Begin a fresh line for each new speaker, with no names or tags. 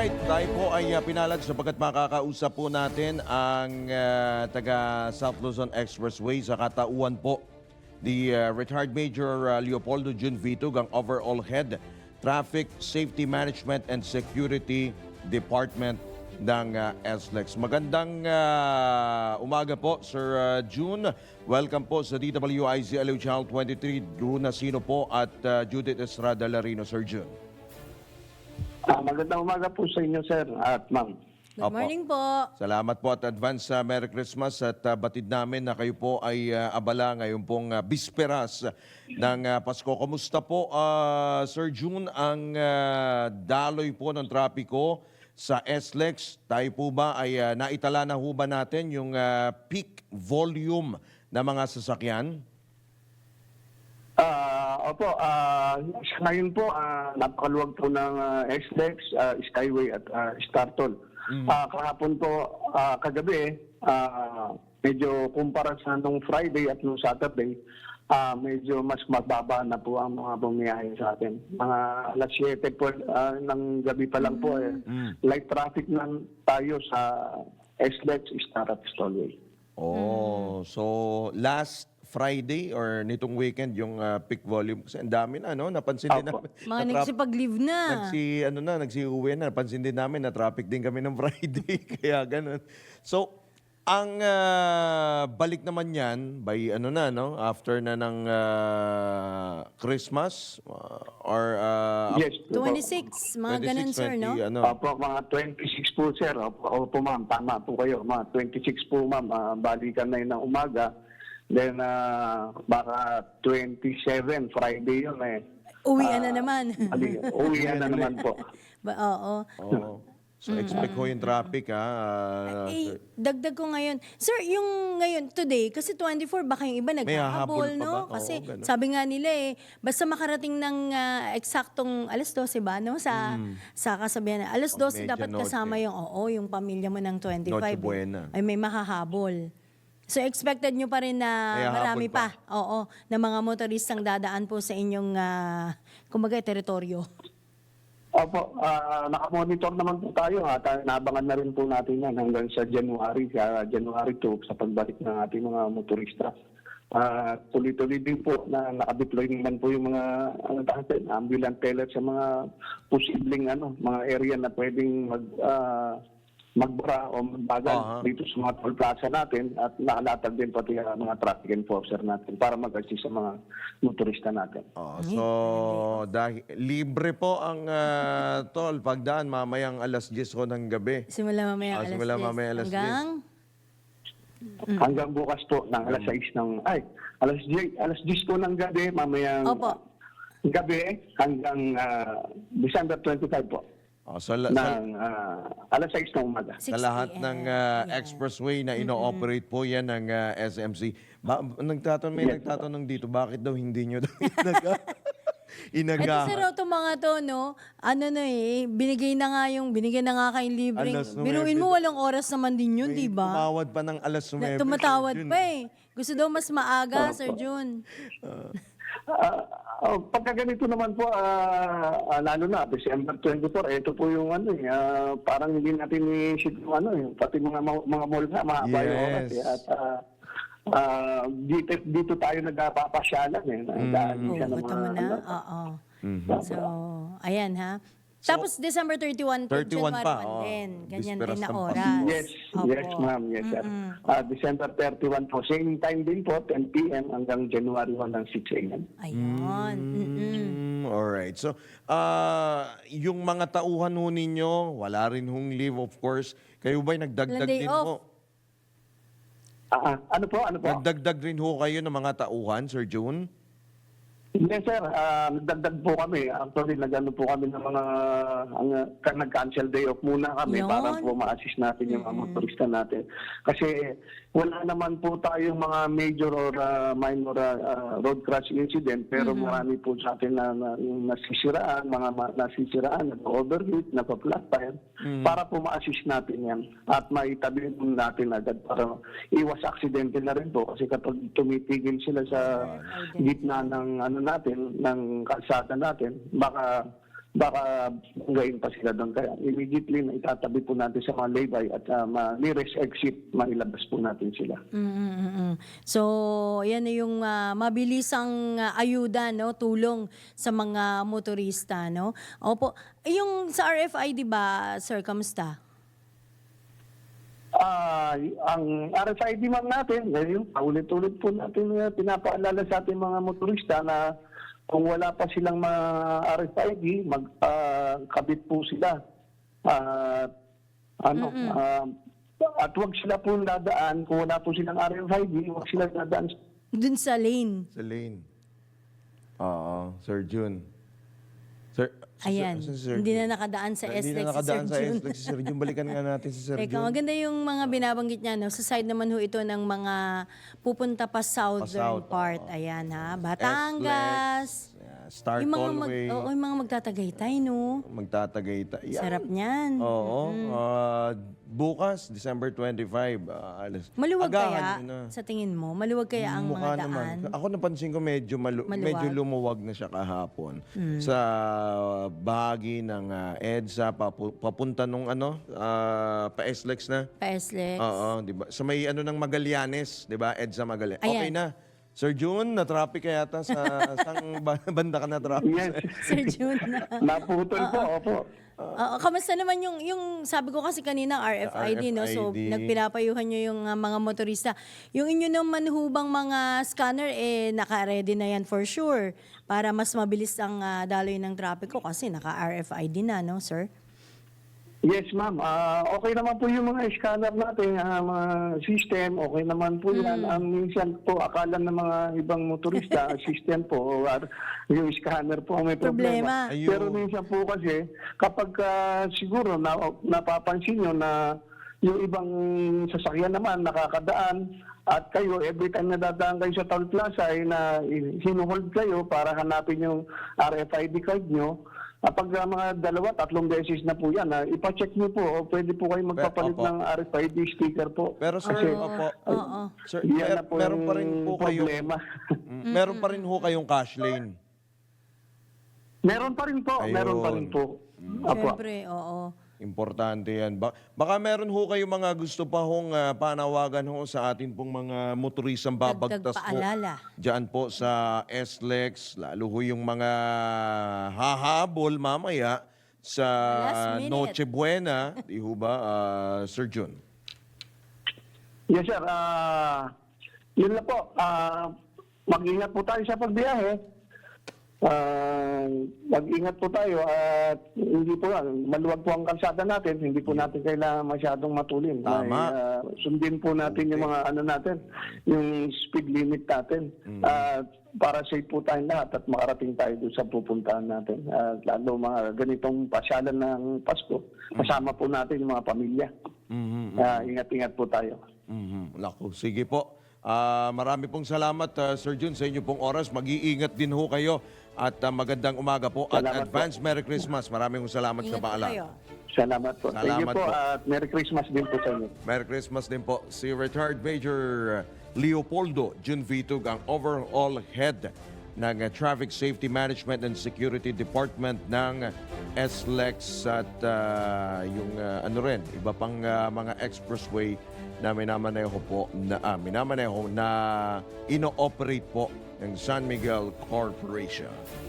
Alright, tayo po ay pinalad sapagkat makakausap po natin ang taga South Luzon Expressway sa katauhan po the retired Major Leopoldo Jun Vitug, ang overall head Traffic Safety Management and Security Department ng SLEX. Magandang umaga po, Sir June. Welcome po sa DWIZ Aliw Channel 23. Drew Nasino po at Judith Estrada Larino, Sir June.
Magandang umaga po sa inyo, sir at ma'am.
Good morning po.
Salamat po at advance Merry Christmas at batid namin na kayo po ay abala ngayon pong bisperas ng Pasko. Kumusta po, Sir June, ang daloy po ng trapiko sa SLEX? Tayo po ba ay naitala na ho ba natin yung peak volume na mga sasakyan?
Opo, ngayon po, napakaluwag po ng SLEX, Skyway at Startol. Kahapon po, kagabi, medyo kumpara sa nung Friday at nung Saturday, medyo mas mababa na po ang mga bumiyahe sa atin. Mga alas 7 po ng gabi pa lang po, light traffic lang tayo sa SLEX, Star at Stolway.
Oh, so last Friday or nitong weekend yung peak volume kasi ang dami na, no? Napansin din namin.
Mga nagsipag-leave na.
Nagsiuwi na. Napansin din namin na traffic din kami ng Friday. Kaya ganun. So, ang balik naman yan by after na ng Christmas or
Yes.
26, mga ganun, sir, no?
Opo, mga 26 po, sir. Opo, ma'am. Tama po kayo. Mga 26 po, ma'am. Balikan na yun ng umaga. Then, baka 27, Friday yun eh.
Uwian na naman.
Uwian na naman po.
Oo.
Oh. So, expect ko yung traffic, ha?
Dagdag ko ngayon. Sir, yung ngayon, today, kasi 24, baka yung iba
May hahabol
naghahabol,
pa
no?
ba?
Kasi
Oo, ganun.
sabi nga nila basta makarating ng eksaktong alas 12 ba, no? Sa kasabihan na, alas 12 dapat
medianoche.
kasama yung pamilya mo ng 25.
Noche Buena.
Ay may makahabol. So expected nyo pa rin na
May
marami
hahabol
pa. Oo, na mga motoristang dadaan po sa inyong, kumbaga, teritoryo.
Opo, nakamonitor naman po tayo. Nabangan na rin po natin yan hanggang sa January 2 sa pagbalik ng ating mga motorista. Tuloy-tuloy din po na nakadeploy naman po yung mga ambulance teller sa mga posibleng mga area na pwedeng magbara o magbagal dito sa mga toll plaza natin at nakalatag din pati mga traffic enforcer natin para mag-assist sa mga motorista natin.
So, dahil libre po ang toll pagdaan mamayang alas 10 ko ng gabi.
Simula mamaya alas 10
Hanggang bukas po ng alas 6 ng alas 10 po ng gabi mamayang gabi hanggang December 25 po. Ng alas 6 ng umaga.
Sa lahat ng expressway na ino-operate po yan ng SMC. May nagtatanong dito, bakit daw hindi nyo daw inagahan?
Ito sir, itong mga to, no? Binigay na nga kayong libreng. Biruin mo, walang oras naman din yun, di ba?
Tumawad pa ng alas 9.
Tumatawad pa eh. Gusto daw mas maaga, Sir June.
Pagka ganito naman po, lalo na, December 24, ito po yung parang hindi natin i-ship yung pati mga mall na, mahaba yung oras. At dito tayo nagpapasyalan
So, ayan ha. Tapos December 31 to
31
January
pa,
1 din. Ganyan
Bisperas
din na
ng
oras.
Yes, ma'am. Yes, sir. December 31 po. Same time din po, 10 p.m. hanggang January 1 ng 6 a.m.
Ayun.
Alright. So, yung mga tauhan ho ninyo, wala rin hong leave, of course. Kayo ba'y nagdagdag
Day
din
off.
ho?
Ano po?
Nagdagdag rin ho kayo ng mga tauhan, Sir June?
Yes, sir. Nagdagdag po kami. Actually, nag-ano po kami ng mga nag-cancel day off muna kami para po ma-assist natin yung mga motorista natin. Kasi wala naman po tayong mga major or minor road crash incident, pero marami po sa atin na nasisiraan, nag-overheat, nag-flat tire, para po ma-assist natin yan at maitabi natin agad para iwas aksidente na rin po. Kasi kapag tumitigil sila sa gitna ng natin, ng kalsada natin, baka baka ngayon pa sila doon. Kaya immediately na itatabi po natin sa mga laybay at nearest exit, mailabas po natin sila.
So, yan na yung mabilisang ayuda, no, tulong sa mga motorista, no? Opo. Yung sa RFID ba, sir, kamusta?
Ang RFID ma'am natin, ngayon, paulit-ulit po natin pinapaalala sa ating mga motorista na kung wala pa silang mga RFID, magkabit po sila. At huwag sila po dadaan, kung wala po silang RFID, huwag sila dadaan.
Dun sa lane.
Sa lane. Oo, Sir Jun. Sir,
Ayan,
si Sir
hindi
Jun.
na nakadaan sa
Hindi
SLEX
na
si
nakadaan
Sir
sa
Jun.
SLEX si Sir Jun. Balikan nga natin si Sir
Teka,
Jun.
maganda yung mga binabanggit niya, no? Sa side naman ho ito ng mga pupunta pa southern
Pa-south,
part. Ayan, ha? Batangas.
Star
Yung mga,
Tollway.
yung mga magtatagaytay, no?
Magtatagaytay. Yan.
Sarap niyan.
Oo. Bukas, December 25.
Maluwag
agahan
kaya,
nyo na.
sa tingin mo? Maluwag kaya ang
Mukha
mga daan?
naman. Ako napansin ko medyo,
Maluwag.
medyo lumuwag na siya kahapon. Sa bahagi ng EDSA, papunta nung pa-SLEX na.
Pa-SLEX.
Oo, di ba? Sa may ng Magallanes, di ba? EDSA Magallanes.
Ayan.
Okay na. Sir Jun, na-traffic kaya yata sa sang banda ka na-traffic?
Yes.
Sir Jun.
Naputol po, opo.
Kamusta naman yung sabi ko kasi kanina RFID, no? So
RFID.
nagpinapayuhan nyo yung mga motorista. Yung inyo naman hubang mga scanner, naka-ready na yan for sure para mas mabilis ang daloy ng trapiko kasi naka-RFID na, no, sir?
Yes, ma'am. Okay naman po yung mga scanner natin, mga system. Okay naman po yan. Minsan po, akala ng mga ibang motorista, system po, or yung scanner po ang may problema.
Ayun.
Pero minsan po kasi, kapag siguro napapansin nyo na yung ibang sasakyan naman nakakadaan at kayo, every time na dadaan kayo sa toll plaza, ay na hinuhold kayo para hanapin yung RFID card nyo. Kapag mga 2-3 beses na po yan, ipacheck nyo po o pwede po kayo magpapalit
Opo.
ng RFID sticker po.
Pero sir, opo.
Oo.
Sir,
Yan na po
meron
yung
pa rin po kayong
problema.
meron pa rin ho kayong cash lane.
Meron pa rin po, meron pa rin po. Apo.
Siyempre, oo.
Importante yan. Baka meron ho kayong mga gusto pa hong panawagan ho sa atin pong mga motoristang babagtas po.
paalala.
Diyan po sa SLEX, lalo ho yung mga hahabol mamaya sa
Last minute.
Noche Buena. Di ho ba, Sir Jun?
Yes, sir. Yun na po. Mag-ingat po tayo sa pagbiyahe. Mag-ingat po tayo at hindi po maluwag po ang kalsada natin, hindi po natin kailangan masyadong matulin.
Tama.
Sundin po natin yung mga natin, yung speed limit natin. Para safe po tayong lahat at makarating tayo doon sa pupuntahan natin. Lalo mga ganitong pasyalan ng Pasko, kasama po natin yung mga pamilya. Ingat-ingat po tayo.
Naku, sige po. Marami pong salamat, Sir Jun, sa inyo pong oras. Mag-iingat din ho kayo at magandang umaga po at
Salamat
advance Merry Christmas. Maraming salamat sa
Ingat po
paalala.
kayo.
Salamat po. Thank you
Salamat
po
po.
at Merry Christmas din po sa inyo.
Merry Christmas din po. Si retired Major Leopoldo Jun Vitug, ang overall head ng Traffic Safety Management and Security Department ng SLEX at yung iba pang mga expressway na minamaneho na ino-operate po ng San Miguel Corporation.